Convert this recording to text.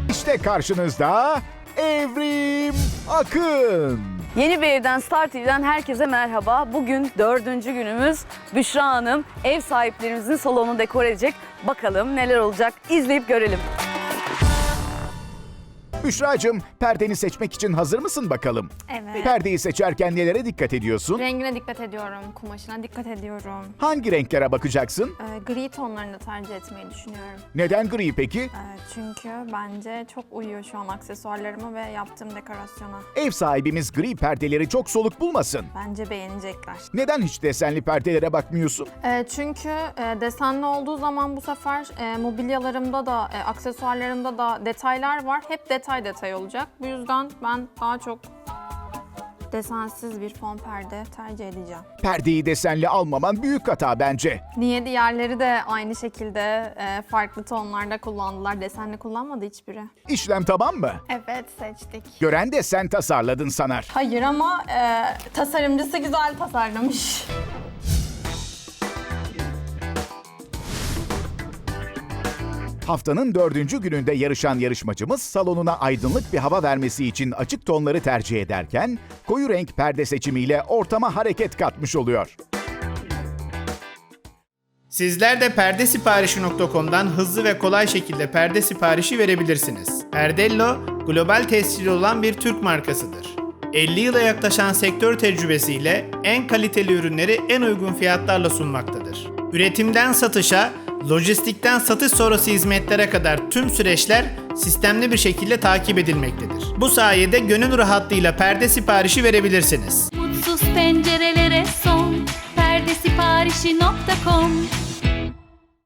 İşte karşınızda Evrim Akın. Yeni bir evden Star TV'den herkese merhaba. Bugün 4. günümüz. Büşra Hanım ev sahiplerimizin salonunu dekor edecek. Bakalım neler olacak, izleyip görelim. Büşracığım, perdeni seçmek için hazır mısın bakalım? Evet. Perdeyi seçerken nelere dikkat ediyorsun? Rengine dikkat ediyorum, kumaşına dikkat ediyorum. Hangi renklere bakacaksın? Gri tonlarını tercih etmeyi düşünüyorum. Neden gri peki? Çünkü bence çok uyuyor şu an aksesuarlarıma ve yaptığım dekorasyona. Ev sahibimiz gri perdeleri çok soluk bulmasın. Bence beğenecekler. Neden hiç desenli perdelere bakmıyorsun? Çünkü desenli olduğu zaman bu sefer mobilyalarımda da, aksesuarlarımda da detaylar var. Hep detay olacak. Bu yüzden ben daha çok desensiz bir fon perde tercih edeceğim. Perdeyi desenli almaman büyük hata bence. Niye diğerleri de aynı şekilde farklı tonlarda kullandılar. Desenli kullanmadı hiçbiri. İşlem tamam mı? Evet, seçtik. Gören de sen tasarladın sanar. Hayır ama tasarımcısı güzel tasarlamış. Haftanın 4. gününde yarışan yarışmacımız salonuna aydınlık bir hava vermesi için açık tonları tercih ederken koyu renk perde seçimiyle ortama hareket katmış oluyor. Sizler de perdesiparişi.com'dan hızlı ve kolay şekilde perde siparişi verebilirsiniz. Perdello, global tescilli olan bir Türk markasıdır. 50 yıla yaklaşan sektör tecrübesiyle en kaliteli ürünleri en uygun fiyatlarla sunmaktadır. Üretimden satışa, lojistikten satış sonrası hizmetlere kadar tüm süreçler sistemli bir şekilde takip edilmektedir. Bu sayede gönül rahatlığıyla perde siparişi verebilirsiniz. Mutsuz pencerelere son perdesiparişi.com